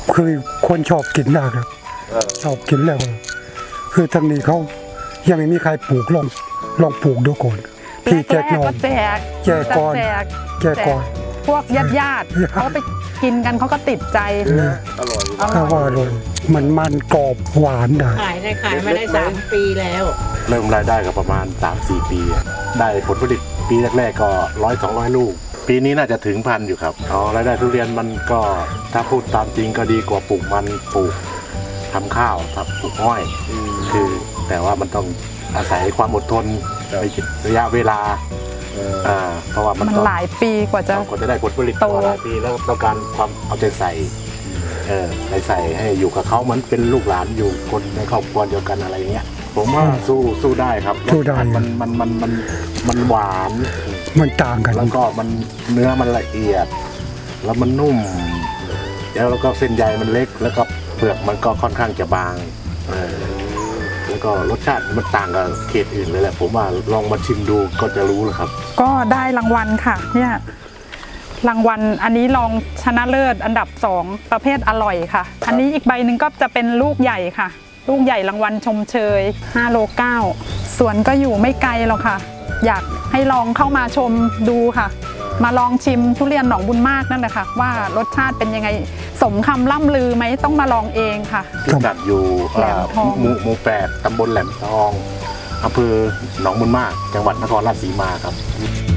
คือคนชอบกินนะครับชอบกินแล้วคือทางนี้เขายังไม่มีใครปลูกลองปลูกดูก่อนพี่แจกน้องแจกแจกก่อนแจกก่อนพวกญาติเขาไปกินกันเขาก็ติดใจอร่อยถ้าว่าเลยมันกรอบหวานได้ขายมาได้3 ปีแล้วเริ่มรายได้ก็ประมาณ 3-4 ปีอะได้ผลผลิตปีแรกๆก็100-200 ลูก ปีนี้น่าจะถึงพันอยู่ครับรายได้ทุเรียนมันก็ถ้าพูดตามจริงก็ดีกว่าปลูกมันปลูกทำข้าวครับปลูกอ้อยคือแต่ว่ามันต้องอาศัยความอดทนระยะเวลาเพราะว่ามันหลายปีกว่าจะได้ผลผลิตโตหลายปีแล้วต้องการความเอาใจใส่ใส่ให้อยู่กับเขาเหมือนเป็นลูกหลานอยู่คนในครอบครัวเดียวกันอะไรอย่างเงี้ยผมว่าสู้ได้ครับสู้ได้มันหวานมันต่างกันแล้วก็มันเนื้อมันละเอียด แล้วมันนุ่มแล้วก็เส้นใยมันเล็กแล้วก็เปลือกมันก็ค่อนข้างจะบางแล้วก็รสชาติมันต่างกับเขตอื่นเลยแหละผมว่าลองมาชิมดูก็จะรู้แล้วครับก็ได้รางวัลค่ะเนี่ยรางวัลอันนี้รองชนะเลิศอันดับ2ประเภทอร่อยค่ะ อันนี้อีกใบหนึ่งก็จะเป็นลูกใหญ่ค่ะ ลูกใหญ่รางวัลชมเชย5 โล 9สวนก็อยู่ไม่ไกลหรอกค่ะ อยากให้ลองเข้ามาชมดูค่ะ มาลองชิมทุเรียนหนองบุญมากนั่นแหละค่ะว่ารสชาติเป็นยังไงสมคำล่ำลือไหมต้องมาลองเองค่ะพิกัดอยู่แหลมทองหมู่ 8 ตำบลแหลมทองอำเภอหนองบุญมาก จังหวัดนครราชสีมาครับ